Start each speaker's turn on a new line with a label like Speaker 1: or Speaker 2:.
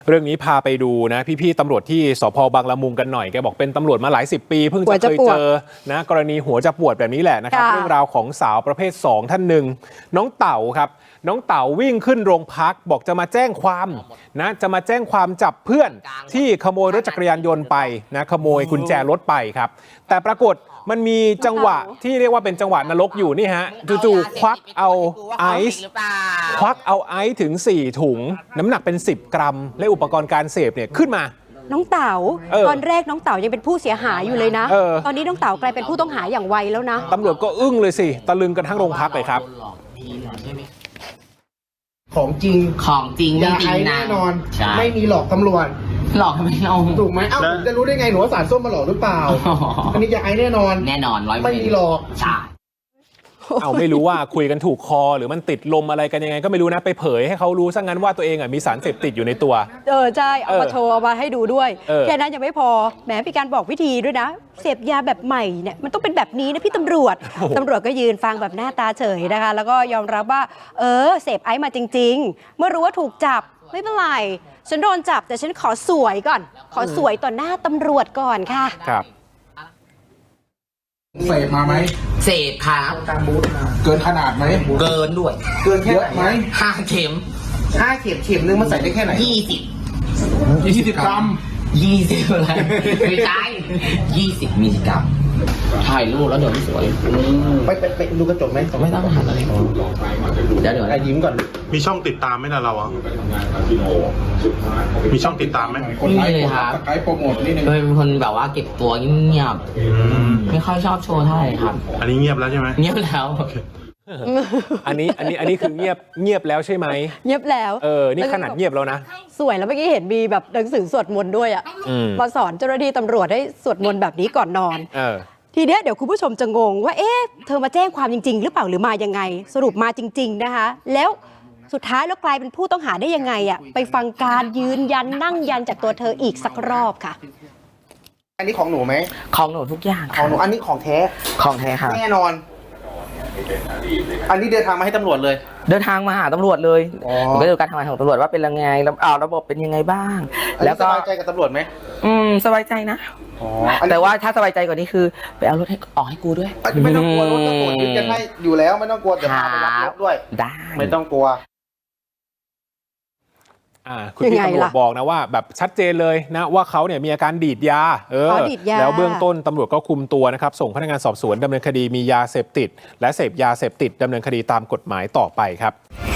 Speaker 1: เรื่องนี้พาไปดูนะพี่ๆตำรวจที่สพบางละมุงกันหน่อยแกบอกเป็นตำรวจมาหลาย10 ปีเพิ่งจะเคยเจอนะกรณีหัวจะปวดแบบนี้แหละนะครับเรื่องราวของสาวประเภท2ท่านหนึ่งน้องเต่าครับน้องเต่าวิ่งขึ้นโรงพักบอกจะมาแจ้งความนะจะมาแจ้งความจับเพื่อนที่ขโมยรถจักรยานยนต์ไปนะขโมยกุญแจรถไปครับแต่ปรากฏมันมีจังหวะที่เรียกว่าเป็นจังหวะนรกอยู่นี่ฮะจู่ๆควักเอาไอซ์ถึง4 ถุงน้ำหนักเป็น10 กรัมและอุปกรณ์การเสพเนี่ยขึ้นมา
Speaker 2: น้องเต๋าตอนแรกน้องเต๋ายังเป็นผู้เสียหายอยู่เลยนะตอนนี้น้องเต๋ากลายเป็นผู้ต้องหาอย่างไวแล้วนะ
Speaker 1: ตำรวจก็อึ้งเลยสิตะลึงกันทั้งโรงพักเลยครับ
Speaker 3: ของจริง
Speaker 4: ไม่จริงนะ
Speaker 3: แน่นอนไม่มีหลอกตำรวจ
Speaker 4: หลอกทำไมเรา
Speaker 3: ถูกไหมเอ้าผมจะรู้ได้ไงหนูว่าสารส้มมาหลอกหรือเปล่าอันนี้ยาไอแน่นอน
Speaker 4: 100%
Speaker 3: ไม่มีหลอก
Speaker 4: ใช่
Speaker 1: เอาไม่รู้ว่าคุยกันถูกคอหรือมันติดลมอะไรกันยังไงก็ไม่รู้นะไปเผยให้เขารู้ซะงั้นว่าตัวเองมีสารเสพติดอยู่ในตัว
Speaker 2: ใช่เอามาโชว์เอามาให้ดูด้วยแค่นั้นยังไม่พอแหมมีการบอกวิธีด้วยนะเสพยาแบบใหม่เนี่ยมันต้องเป็นแบบนี้นะพี่ตำรวจก็ยืนฟังแบบหน้าตาเฉยนะคะแล้วก็ยอมรับว่าเสพไอซ์มาจริงๆเมื่อรู้ว่าถูกจับไม่เป็นไรฉันโดนจับแต่ฉันขอสวยก่อนขอสวยต่อหน้าตำรวจก่อนค่ะ
Speaker 1: ครับ
Speaker 3: เสพมาไหม
Speaker 4: เสพครับ
Speaker 3: เกินขนาดไหม
Speaker 4: เกินด้วย
Speaker 3: เกินเยอะไหม
Speaker 4: 5 เข็ม
Speaker 3: เข็มนึงมันใส่ได้แค่ไหน20 กรัม
Speaker 4: 20อะไรไม่ใช่20 มิลลิกรัมถ่ายรูปแล้วเดี๋ยวไม่สวย
Speaker 3: ไปดูกระจกไหม
Speaker 4: ไม่ต้องหันอะไรเดี๋ยว
Speaker 3: ยิ้มก่อน
Speaker 5: มีช่องติดตามไหมนะเราอ่ะมีช่องติดตามไหม
Speaker 4: ไม่มีเลยครับ
Speaker 3: ไกด์โปรโมทนิดนึง
Speaker 4: เป็นคนแบบว่าเก็บตัวเงียบไม่ค่อยชอบโชว์เท่าไหร่ครับ
Speaker 5: อันนี้เงียบแล้วใช่ไหม
Speaker 4: เงียบแล้ว
Speaker 1: อันนี้คือเงียบแล้วใช่ไหม
Speaker 2: เงียบแล้ว
Speaker 1: นี่ขนาดเงียบแล้วนะ
Speaker 2: สวยแล้วเมื่อกี้เห็นมีแบบหนังสือสวดมนต์ด้วยอ่ะมาสอนเจ้าหน้าที่ตำรวจให้สวดมนต์แบบนี้ก่อนนอนทีเนี้ยเดี๋ยวคุณผู้ชมจะงงว่าเธอมาแจ้งความจริงๆหรือเปล่าหรือมายังไงสรุปมาจริงๆนะคะแล้วสุดท้ายแล้วกลายเป็นผู้ต้องหาได้ยังไงอ่ะไปฟังการยืนยันนั่งยันจากตัวเธออีกสักรอบค่ะ
Speaker 3: อันนี้ของหนูไหม
Speaker 4: ของหนูทุกอย่าง
Speaker 3: ของหนูอันนี้ของแท้
Speaker 4: ครับ
Speaker 3: แน่นอนอันนี้เดินทางมาให้ตำรวจเลย
Speaker 4: เดินทางมาหาตำรวจเลยก็ดูการทำงานของตำรวจว่าเป็นยังไงระบบเป็นยังไงบ้าง
Speaker 3: แล้วก็สบายใจกับตำรวจไหม
Speaker 4: สบายใจนะแต่ว่าถ้าสบายใจกว่านี้คือไปเอารถให้ออกให้กูด้วย
Speaker 3: ไม่ต้องกลัวรถตำรวจยึดกันให้อยู่แล้วไม่ต้องกลัวเดี๋ยวพาไปรับรถด้วย
Speaker 4: ได้
Speaker 3: ไม่ต้องกลัว
Speaker 1: คุณพี่ตำรวจบอกนะว่าแบบชัดเจนเลยนะว่าเขาเนี่ยมีอาการดีดยาแล้วเบื้องต้นตำรวจก็คุมตัวนะครับส่งพนักงานสอบสวนดำเนินคดีมียาเสพติดและเสพยาเสพติดดำเนินคดีตามกฎหมายต่อไปครับ